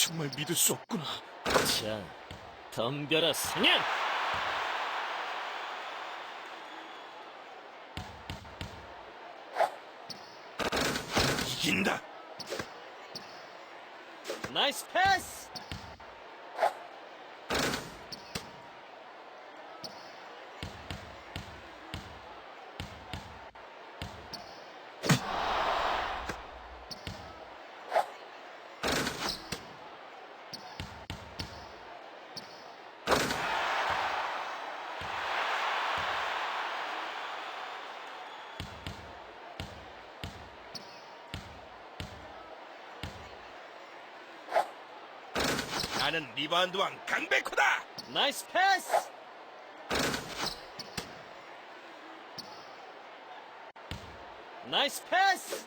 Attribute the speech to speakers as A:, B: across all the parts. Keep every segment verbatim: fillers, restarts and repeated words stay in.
A: 정말 믿을 수 없구나.
B: 자, 덤벼라 사냥!
A: 이긴다.
B: 나이스 패스!
A: 나는 리바운드 왕 강백호다.
B: 나이스 패스! 나이스 패스!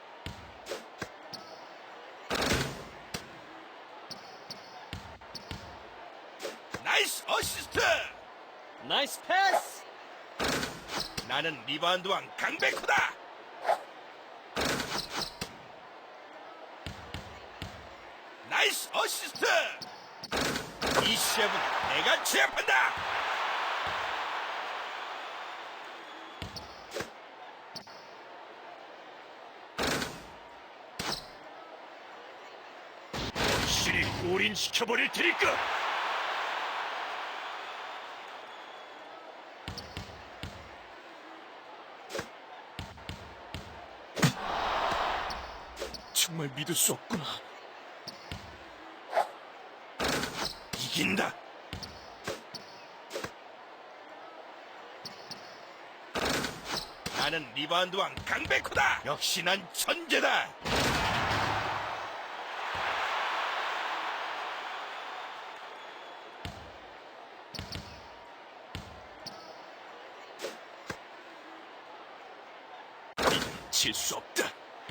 A: 나이스 어시스트.
B: 나이스 패스!
A: 나는 리바운드 왕 강백호다. 나이스 어시스트. 이 시합은 내가 제압한다. 확실히 올인시켜버릴 테니까. 정말 믿을 수 없구나. 이긴다. 나는 리바운드 왕 강백호다. 역시 난 천재다. 질 수 없다.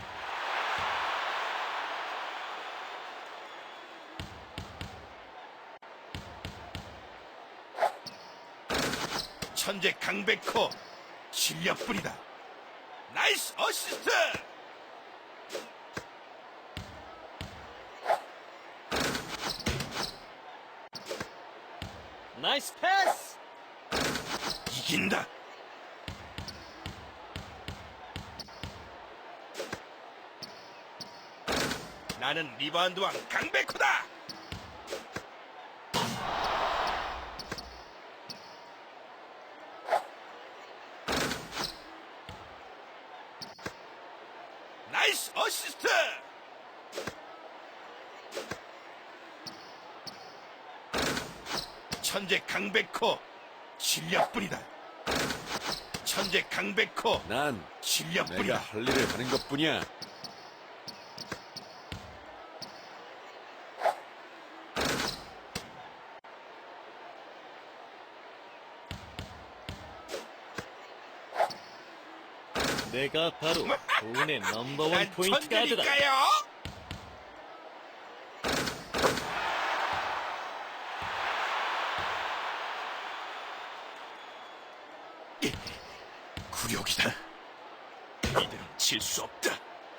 A: 천재 강백호 실력뿐이다. 나이스 어시스트.
B: 나이스 패스!
A: 이긴다. 나는 리바운드 왕 강백호다. 나이스 어시스트. 천재 강백호 실력뿐이다. 천재 강백호
C: 난 내가
A: 실력뿐이다.
C: 할 일을 하는 것뿐이야.
B: 내가 바로 돈의 넘버원
A: 난
B: 포인트 가드다.
A: 천재니까요. 굴욕이다. 이대로 질 수 없다.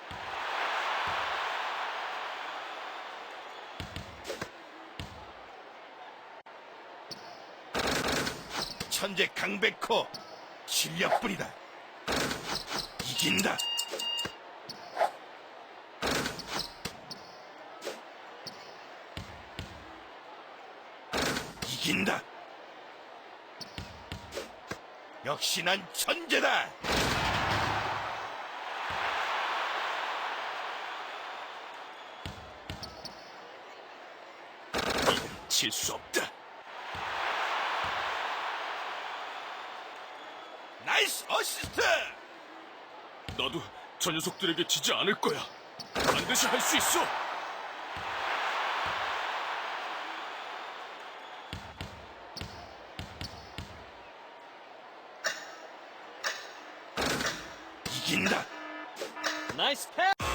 A: 천재 강백호 실력뿐이다. 이긴다. 이긴다. 역시 난 천재다. 이대로 질 수 없다. 나이스 어시스트.
C: 나도 저 녀석들에게 지지 않을 거야. 반드시 할 수 있어.
A: 이긴다.
B: 나이스 패스!